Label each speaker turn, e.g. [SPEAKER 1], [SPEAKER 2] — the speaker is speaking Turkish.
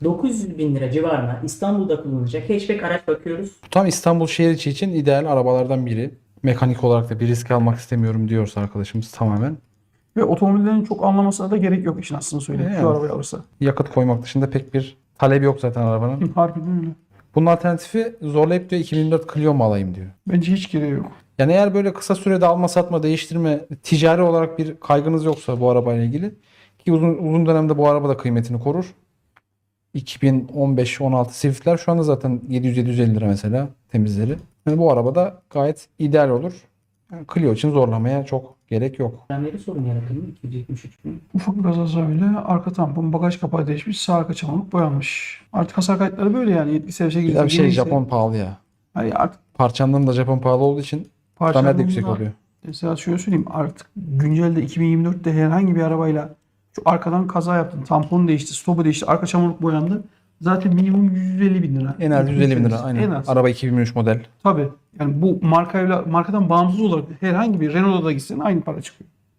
[SPEAKER 1] 900 bin lira civarına İstanbul'da kullanılacak hatchback araç bakıyoruz.
[SPEAKER 2] Tam İstanbul şehir içi için ideal arabalardan biri. Mekanik olarak da bir risk almak istemiyorum diyorsa arkadaşımız tamamen.
[SPEAKER 3] Ve otomobillerin çok anlamasına da gerek yok işin aslını söyleyeyim.
[SPEAKER 2] Yani.
[SPEAKER 3] Şu arabayı alırsa.
[SPEAKER 2] Yakıt koymak dışında pek bir talebi yok zaten arabanın.
[SPEAKER 3] Harbiden öyle.
[SPEAKER 2] Bunun alternatifi zorlayıp diyor 2024 Clio mu alayım diyor.
[SPEAKER 3] Bence hiç gereği yok.
[SPEAKER 2] Yani eğer böyle kısa sürede alma satma değiştirme ticari olarak bir kaygınız yoksa bu arabayla ilgili ki uzun dönemde bu araba da kıymetini korur. 2015-16 Swift'ler şu anda zaten 700-750 lira mesela temizleri. Yani bu araba da gayet ideal olur. Yani Clio için zorlamaya çok gerek yok.
[SPEAKER 1] Frenleri sorun yaratır mı? 273 bin.
[SPEAKER 3] Ufak bir kaza öyle. Arka tampon, bagaj kapağı değişmiş. Sağ arka çamurluk boyanmış. Artık hasar kayıtları böyle yani. 70
[SPEAKER 2] Bir de bir şey Japon pahalı ya.
[SPEAKER 3] Hani artık
[SPEAKER 2] Parçanların da Japon pahalı olduğu için kramer de yüksek
[SPEAKER 3] parçalarında
[SPEAKER 2] oluyor.
[SPEAKER 3] mesela şöyle söyleyeyim. Artık güncelde 2024'te herhangi bir arabayla şu arkadan kaza yaptın. Tamponu değişti, stopu değişti, arka çamurluk boyandı. Zaten minimum 150 bin lira.
[SPEAKER 2] En az 150 bin lira aynen.
[SPEAKER 3] En az.
[SPEAKER 2] Araba 2003 model.
[SPEAKER 3] Tabii. Yani bu markadan bağımsız olarak herhangi bir Renault'a da gitsen aynı para çıkıyor.